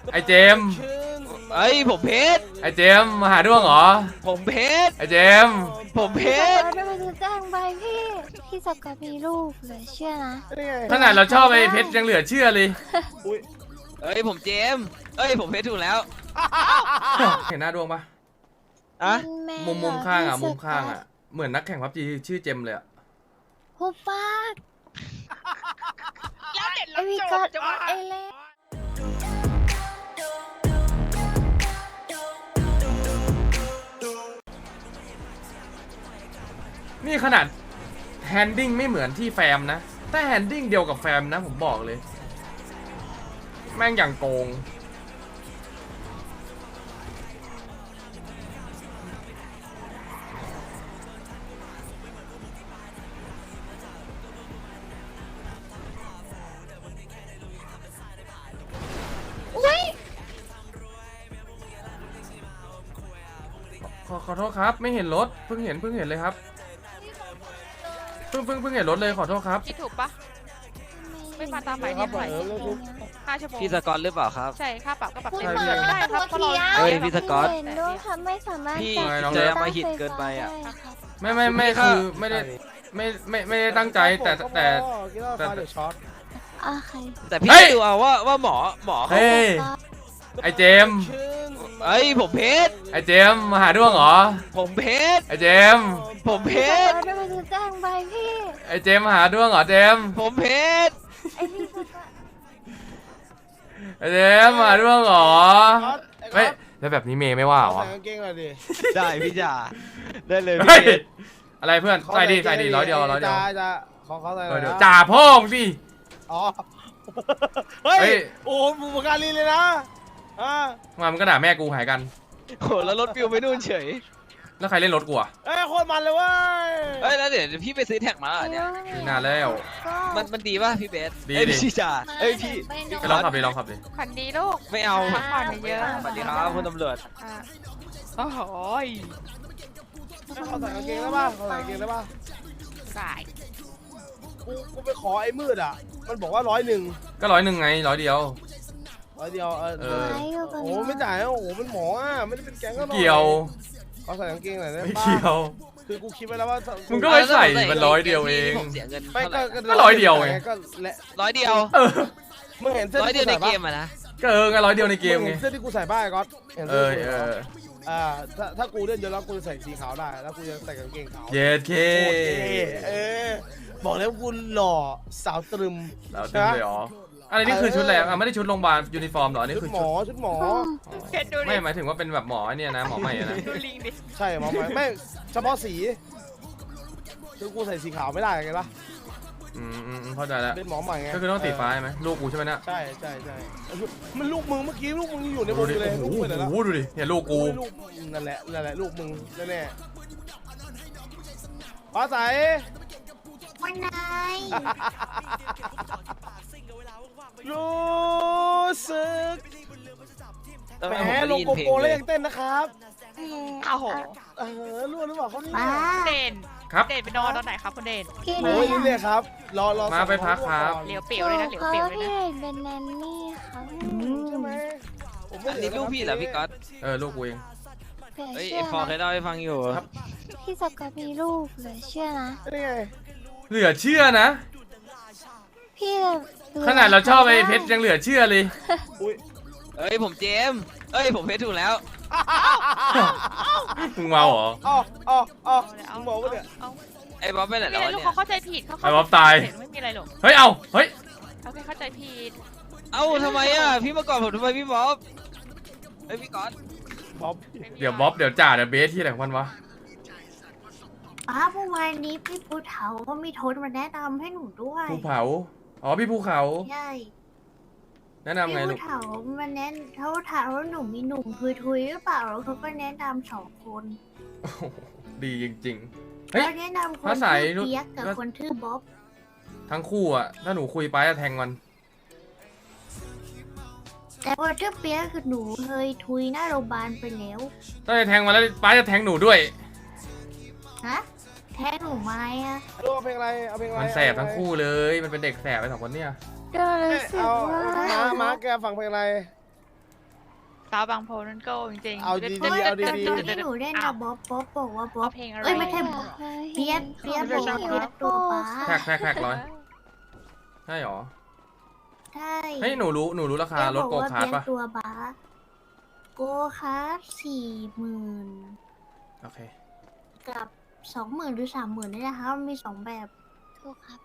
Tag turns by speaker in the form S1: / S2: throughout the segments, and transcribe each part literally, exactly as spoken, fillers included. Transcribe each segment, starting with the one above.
S1: ไอเจม
S2: เอ้ยผมเพชร
S1: ไอเจมมาหาด้วงเหรอ
S2: ผมเพชร
S1: ไอเจม
S2: ผมเพชร
S3: ไม่ไปดูแจ้งไปพี่พี่สกอตมีลูกเหลือเชื่อนะ
S1: ขนาดเราชอบไอเพชรยังเหลือเชื่อเลย
S2: เอ้ยผมเจมเอ้ยผมเพชรถูกแล้ว
S1: เห็นหน้าดวงปะ
S2: อะ
S1: มุมมุมข้างอ่ะมุมข้างอ่ะเหมือนนักแข่งพับจีชื่อเจมเลยอ่ะ
S3: หุบปาก
S4: แล้วเด็ด
S3: ไอวิกอดไอเล่
S1: นี่ขนาดแฮนดิ้งไม่เหมือนที่แฟมนะแต่แฮนดิ้งเดียวกับแฟมนะผมบอกเลยแม่งอย่างโกงขอขอโทษครับไม่เห็นรถเพิ่งเห็นเพิ่งเห็นเลยครับเพิ่งเพิ่งเพิ่งเห็นรถเลยขอโทษครับ
S4: คิดถูกปะไม่มาตามหมายเรียกหน่อยห้าชั่วโมง
S2: พี่สกอตหรือเปล่าครับ
S4: ใช่ค่าปรับก็ปรับเต็มเปิดไม่ได้ครับเพราะเรา
S2: เฮ้ยพี่สกอต
S3: ด้วยค่ะไม่สามารถ
S2: พี่เจอมาหิดเกินไปอ่ะ
S1: ไม่ไม่ไม่คือไม่ได้ไม่ไม่ไม่ได้ตั้งใจแต่แต่แต่
S2: แต่พี่ดูเอาว่าว่าหมอหมอเขา
S1: ไอเจม
S2: เอ้ยผมเพชร
S1: ไอเจมมาหาด้วงเหรอ
S2: ผมเพชร
S1: ไอเจม
S2: ผมเพชร
S3: ไม่ไปดูแจ้งไปพี่
S1: ไอเจมมาหาด้วงเหรอเจม
S2: ผมเพชร
S1: ไอเจมมาหาด้วงเหรอไม่แล้วแบบนี้เมย์ไม่ว่าเหรอ
S2: ได้พี่จ่าได้เลย
S1: พี่อะไรเพื่อนใส่ดีใส่ดีร้อยเดียวร้อยเดียว
S5: จ่าของเขาใส่เดียว
S1: จ่าพ่องสิ
S5: อ๋อเฮ้ยโอ้บุปการีเลยนะ
S1: มามันก็ด่าแม่กูหายกัน
S2: โหแล้วรถฟิวไปนู่นเฉย
S1: แล้วใครเล่นรถกูอ่ะ
S5: เอ้ยโคตรมันเลยเว้ย
S2: เอ้ยแล้วเดี๋ยวพี่ไปซื้อแท็กมาเนี่ย
S1: นานแล้ว
S2: มันมันดีป่ะพี่เบส
S1: ดีดิ
S2: พี่จ่าเอ้ยพี่
S1: ไปลองขับดิลองขับดิ
S4: ขันดีลูก
S2: ไม่เอา
S4: พักผ่อนเยอะ
S2: สวัสดีครับคุณตำรวจ
S4: โอ้โห
S5: เขาใส่กางเกงได้ป่ะเขาใส่กางเกงได้ป่ะ
S4: ใส่
S5: กูกูไปขอไอ้มืดอ่ะมันบอกว่าร้อยหนึ่ง
S1: ก็ร้อยหนึ่งไงร้อยเดียว
S5: ร้อยเดียวเออโอ้ไม่จ่ายโอ้มันหมออ่ะไม่ได้เป็นแก๊งก็
S1: เกี่ยว
S5: เขาใส่กางเกงหน่อยได้
S1: ป่ะไม่เกี่ยว
S5: คือกูคิดไว้แล้วว่า
S1: มึงก็ไม่ใส่มันร้อยเดียวเองก็ร้อยเดียวไง
S5: ก็
S2: ร้อยเดียว
S5: มึงเห็นเสื้อ
S2: ร้อยเดียวในเกมอะนะ
S1: ก็เออไงร้อยเดียวในเกมไง
S5: เสื้อที่กูใส่บ้าก็
S1: เออเออ
S5: อ่าถ้าถ้ากูเล่นเยอะแล้วกูจะใส่สีขาวได้แล้วกูจะใส่กางเกงขาว
S1: เย็ดเค
S5: เออบอกแล้วกูหล่อสาวตรึม
S1: สาวตรึมเลยหรออะไรนี่คือชุดอะไรอ่ะไม่ได้ชุดโรงพยาบาลยูนิฟอร์มหรอนี่คือ
S5: หมอชุดหมอ
S1: ไม่หมายถึงว่าเป็นแบบหมอเนี่ยนะหมอใหม่นะ
S5: ใช่หมอใหม่ไม่เฉพาะสีคือกูใส่สีขาวไม่ได้ไงปะ
S1: อืมอืมเข้าใจแล้ว
S5: เป็นหมอใหม่ไง
S1: ก็คือต้องสีฟ้าใช่ไหมลูกกูใช่ไหมเนี่ย
S5: ใช่ใช่ใช่มันลูกมึงเมื่อกี้ลูกมึงอยู่ในบนเลย
S1: โอ้โหดูดิเนี่ยลูกกู
S5: นั่นแหละนั่นแหละลูกมึงแน่ๆฟ้าใส
S3: วันไหน
S5: รู้สึกแหมลงโกโก้แล้วยังเต้นนะครับ
S4: อ้าวโห
S5: เออรู้หรือเปล่าเขาเนี่ย
S4: เด่น
S1: ครับ
S4: เด่นไปนอนตอนไหนครับคุณเด่น
S5: โอ้ยนี่เลยครับรอรอ
S1: มาไปพักครับ
S4: เหลียวเปียวเลยนะเหลียวเปียวเลยนะ
S3: เป็นแนนนี่ครับ
S5: ใช่ไหม
S2: อันนี้ลูกพี่เหรอพี่ก๊อต
S1: เออลูกกูเอง
S2: เฮ้ยพอเคยเล่าให้ฟังอยู่
S1: ครับ
S3: พี่สกอตมีลูกเหลือเชื่อนะ
S5: นี่ไง
S1: เหลือเชื่อนะ
S3: พี่
S1: ขนาดเราชอบไอ้เพชรยังเหลือเชื่อเลย
S2: เอ้ยผมเจมเอ้ยผมเพชรถูกแล้ว
S1: มึงเมาเหรอ
S5: อ๋ออ๋ออ๋อมึงบอกว่าเนี่ย
S2: ไอ้บ๊อบไปไหนแล้ว
S4: เนี่ยเขาเข้าใจผิดเขา
S1: ไอ้บ๊อบตาย
S4: ไม่มีอะไรหรอก
S1: เฮ้ยเอาเฮ้ย
S4: เขาแค่เข้าใจผิด
S2: เอ้าทำไมอ่ะพี่มาก่อนผมทำไมพี่บ๊อบไอ้พี่ก๊อต
S5: บ๊อบ
S1: เดี๋ยวบ๊อบเดี๋ยวจ่าเดี๋ยวเบสที่ไหนของมันวะ
S3: อ้าเมื่อวานนี้พี่ภูเขาก็มีโทษมาแนะนำให้หนูด้วย
S1: ภูเขาอ๋อพี่ภูเขา
S3: ใช่
S1: แนะนำไงลูก
S3: พี่ภูเขามันแนะเขาถามว่าหนูมีหนุ่มทุยทุยหรือเปล่าแล้วเขาก็แนะนำสองคน
S1: ดีจริงๆเฮ้
S3: ยแนะนำคนชื่อเปียกกับคนชื่อบ๊อบ
S1: ทั้งคู่อ่ะถ้าหนูคุยไปจะแทงมัน
S3: แต่ว่าชื่อเปียกคือหนูเคยทุยหน้าโรงพยาบาลไปแล้ว
S1: ถ้าจะแทงมันแล้วป้าจะแทงหนูด้วย
S3: ฮะแทงหนูไหมอะ
S5: เอาเพลงอะไรเอาเพลงอะไร
S1: มันแสบทั้งคู่เลยมันเป็นเด็กแสบไปสองคนเนี่ย
S5: เอาม้าม้าแกฟังเพลงอะไร
S4: สาวบางโพนั่นโก้จริงๆ
S5: เอา
S4: ดี๋ยว
S5: ดี
S3: เพราะ
S5: ๆ
S3: ว่า
S5: เอา
S3: ตอน
S5: ดี
S3: ตอนที่หนูเล่นกับบ๊อบบ๊อบบอกว่าบ๊อบ
S4: เอาเพลงอะไร
S3: เอ้ยไม่ใช่บ๊อบเปียกเปียกบอกว่าเปียกตัวป้า
S1: แท็กแท็กแท็กร้อยใช่หรอ
S3: ใช่
S1: เฮ้ยหนูรู้หนูรู้ราคารถโกคาร์ท
S3: เปีย
S1: ปะ
S3: กตัวป้าโกคาร์ทสี่หมื่น
S1: โอเค
S3: กับสองหมื่นหรือสามหมื่นนี่นะคะมันมีสองแบบถูกครับ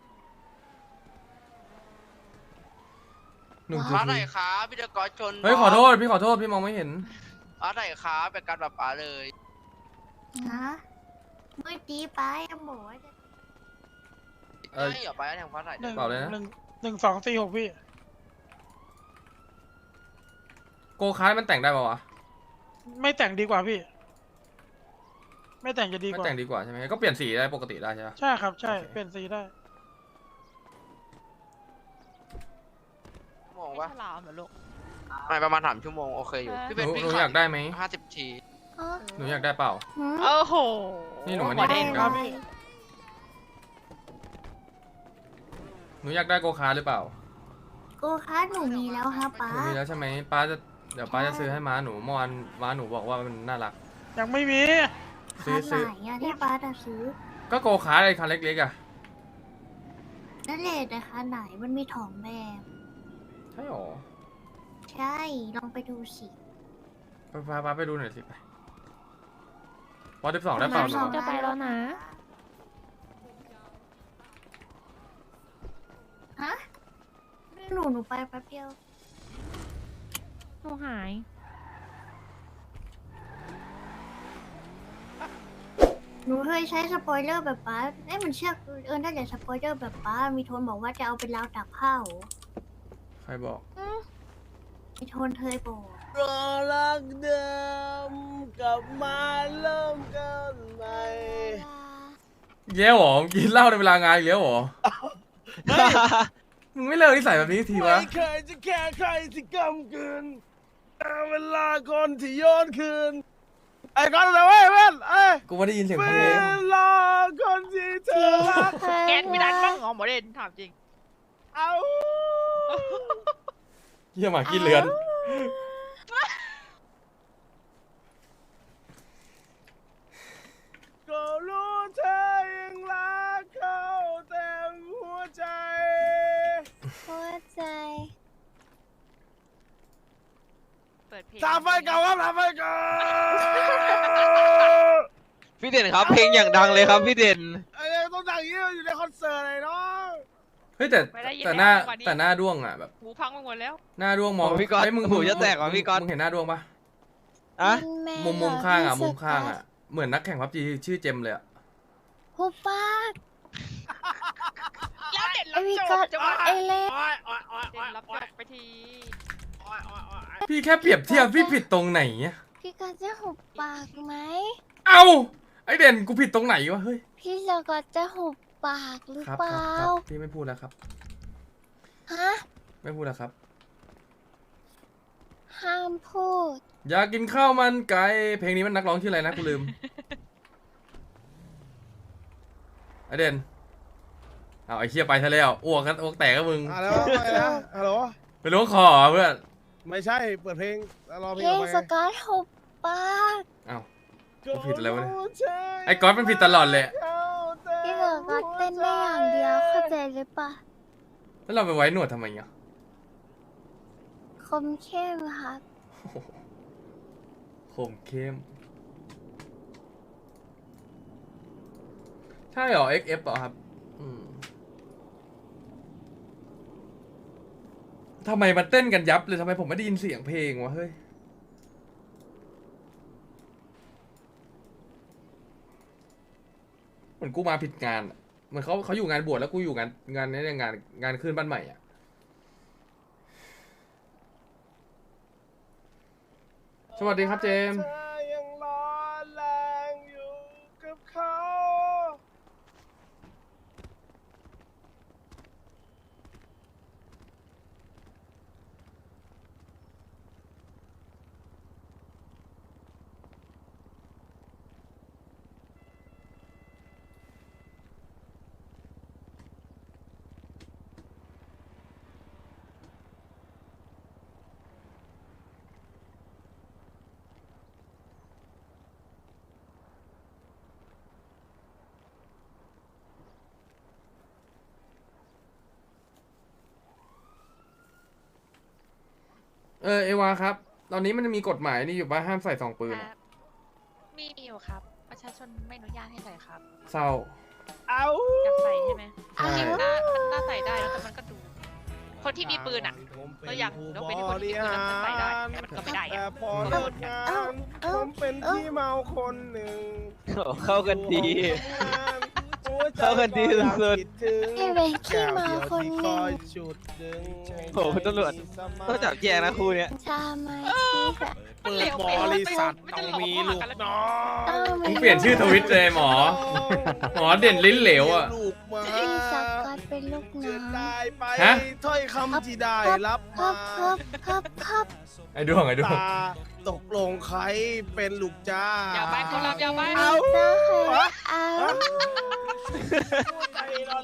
S1: หนึ่ง
S2: ร้า
S1: จุด
S2: นไหนครับพี่ตะกอชน
S1: เฮ้ยขอโทษพี่ขอโทษพี่มองไม่เห็น
S2: ร้านไหนครับเป็นการแบบป๋าเลย
S3: นะเมื่อกี้ป้ายังบอกว่าจะ
S1: เออ
S2: ไม่เหรอไปแล้วแทงฟ้าไหน
S6: หนึ่ง
S1: เปล่าเลยนะ
S6: หนึ่งหนึ่งสองสี่หกพี่
S1: โกคาร์ทมันแต่งได้ปะวะ
S6: ไม่แต่งดีกว่าพี่ ไม่แต่งจะดี
S1: ไม่
S6: กว่า
S1: แต่งดีกว่าใช่ไหมก็เปลี่ยนสีได้ปกติได้ใช่ปะ
S6: ใช่ครับใช่
S1: โอเค
S6: เปลี่ยนสีได้
S2: ชั่วโมง
S4: ไม่
S2: วะ
S4: ฉลามเหรอลูก
S2: ไม่ประมาณสามชั่วโมงโอเคอยู่พี่
S1: ห
S2: เป็น
S1: นู
S2: พี่
S1: หนู
S2: ขั
S1: อยากได้ไหม
S2: ห้าสิบที
S3: อ๋อ
S1: หนูอยากได้เปล่า
S3: หืม
S4: โอ้โห
S1: นี่หนูมา
S4: หัว
S1: นี่
S4: เด่น
S6: ครับพี่
S1: หนูอยากได้โกคาร์ทหรือเปล่า
S3: โกคาร์ทหนูมีแล้วครับป้า
S1: หนูมีแล้วใช่ไหมป้าจะเดี๋ยวป้าจะซื้อให้ม้าหนูเมื่อวานม้าหนูบอกว่ามันน่ารัก
S6: ยังไม่มี
S1: ซื้
S3: คา
S1: อ
S3: ร์ท
S1: ซื้อ
S3: ไหนอะที่ป้าจะซื้อ
S1: ก็โกคาร์ทไอ้คันเล็กๆอ่ะ
S3: นั่นแหละนะคะไหนมันมีถองแบบ
S1: ใช่หรอ
S3: ใช่ลองไปดูสิ
S1: ไปพาป้าไปดูหน่อยสิไปวอลสิบสองได้เปล่าหนู
S3: จะไปแล้วนะฮะหนูหนูไปแป๊บเดียว
S4: หนูหาย
S3: หนูเคยใช้สปอยเลอร์แบบป้าเอ้ยมันเชือกเออนั่นแหละสปอยเลอร์แบบป้ามีโทนบอกว่าจะเอาเป็นราวตักข้าว
S1: ใครบอก
S3: มีโทนเคยบอก
S5: รอรักเดิมกลับมาเริ่มกันใหม่
S1: เย้หรอมึงกินเหล้าในเวลางานอีกแล้วหรอ มึงไม่เลิกนิสัยแบบนี้ทีวะ
S5: ไม่เคยจะแค่ใครที่กำกืนแต่เวลาคนที่ย้อนคืนไอ้ก้อนอะไรเว้ยเว้นเอ้ย
S1: กูไม่ได้ยินเสียง
S5: เว
S1: เพลง
S5: ลาคนที่เธอรัก
S4: แกนไม่ดันบ้างเหรอหมอเด่นถามจริง
S5: เอา
S1: เยี่ยหมากินเลือน
S5: ก็รู้เธอยังรักเขาเต็มหัวใจ
S3: หัวใจ
S4: เปิดเพลง
S5: ทำไฟเก่าครับทำไฟเก่า
S2: พี่เด่นครับเพลงอย่างดังเลยครับพี่เด่น
S5: ไอ้เนี่ยต้องดังอย่างนี้อยู่ในคอนเสิร์ตเลยเนาะ
S1: เฮ้ยแต่
S4: ไม่ได้ยิน
S1: แต่หน้า
S4: แล้วกว่านี้
S1: แต่หน้าด้วงอ่ะแบบ
S4: หูพังไปหมดแล้ว
S1: หน้าด้วงมอง
S2: โอ้พี่ก๊อต
S1: เฮ้ยมึง
S2: หูจะแตกว่ะพี่ก๊อต
S1: มึงเห็นหน้าด้วงปะ
S2: อะ
S1: มุมมุมข้างอ่ะมุมข้างอ่ะเหมือนนักแข่งพับจีชื่อเจมเลยอ่ะ
S3: หุบปาก
S4: แล้วเด่น
S3: ไอ
S4: รับ
S3: วิ
S4: จ
S3: กอบ ด
S4: จะ
S3: ไอ
S4: ว่า
S3: เล่
S5: โอ้ยโอ้ยโอ้ย
S4: เด่นรับจบไปที
S5: โอ้ยโอ้ยโอ้ย
S1: พี่แค่เปรียบเทียบพี่ผิดตรงไหนอะ
S3: พี่กอดจะหุบปากไหม
S1: เอ้าไอเด่นกูผิดตรงไหนวะเฮ้ย
S3: พี่จะกอดจะหุบปากหรือ
S1: ครับ
S3: เป
S1: ครั
S3: ล่า
S1: บครับพี่ไม่พูดแล้วครับ
S3: ฮะ
S1: ไม่พูดแล้วครับ
S3: ห้ามพูด
S1: อยากกินข้าวมันไก่เพลงนี้มันนักร้องชื่ออะไรนะกูลืม ไอเด่นเอาไอเชี่ยไปซะแล้วอ้วกกันอ้วกแตกก็มึง
S5: อ่ะแล้วไปนะฮัลโหล
S1: ไปล้วงคอเหรอเพื่อน
S5: ไม่ใช่ เปิดเพลงแล้วรอเพลง
S3: พี่
S5: ออก
S3: ส
S5: ไป
S3: กอตหุบปาก
S1: เอ้า กูผิดอะไรวะเนี่ย
S5: รู้เธ
S1: ไอ้ก๊อตมันผิดตลอดเลย
S3: พี่สกอตเต้นได้อย่างเดียวเข้าใจหรือปะ
S1: แล้วเราไปไว้หนวดทำไมอ่ะ
S3: คมเข้มครับ
S1: โอ้โหคมเข้มใช่เหรอ เอ็กซ์ เอฟ เหรอครับอืมทำไมมันเต้นกันยับเลยทำไมผมไม่ได้ยินเสียงเพลงวะเฮ้ย เหมือนกูมาผิดงานอะเหมือนเขาเขาอยู่งานบวชแล้วกูอยู่งานงานนี้งานงานขึ้นบ้านใหม่อ่ะ สวัสดีครับเจมส์
S5: เธอยังร้อนแรงอยู่กับเขา
S1: เออเอวาครับ ตอนนี้มันมีกฎหมายนี่อยู่ป่ะห้ามใส่ซองปืน
S4: ค
S1: อะ
S4: รับมีอยู่ครับ ประชาชนไม่อนุญาตให้ใส่ครับ
S1: เศร้า
S5: เอา
S4: อยากใส่ใช่ไหม
S1: ใช่
S4: มันน่ามันน่าใส่ได้แล้วแต่มันก็ดู คนที่มีปืนอ่ะ เราอยากเราเป็นคนที่มีปืนแล้วมันใส่ได้แต่มันก็ไม่ได้
S5: แต่
S4: อะ
S5: พอเลิกงานผมเป็นที่เมาคนหนึ่ง
S2: โอ้เข้ากันดี
S5: เข้ากันดีสุด
S3: พี่เป็นขี้เมาคนหนึ่ง
S2: โอ้โหตำรวจต้องจับแยกนะคู่เนี้ย
S3: ชามาชีแบบ
S5: เปิดบริษัทต้องมีลูกน้อง
S3: เออ
S1: มึงเปลี่ยนชื่อทวิตเลยหมอ หมอเด่นลิ้นเหลวอ่ะ
S5: ลูกมา
S3: พี่สกอตเป็นลูกน้
S5: จะ
S3: อง
S5: ได้ไป
S1: ฮะ
S5: ถ้อยคำที่ได้รับ
S3: ครั
S5: มา
S3: บครับครับครับ
S1: ไอ้ดวงไอ้ดวง
S5: ตาตกลงใครเป็นลูกจ้า
S4: อย่าไปคนรับอย่าไป
S5: เอา
S3: ได้
S5: ฮะ
S3: เอา
S5: ใจเรา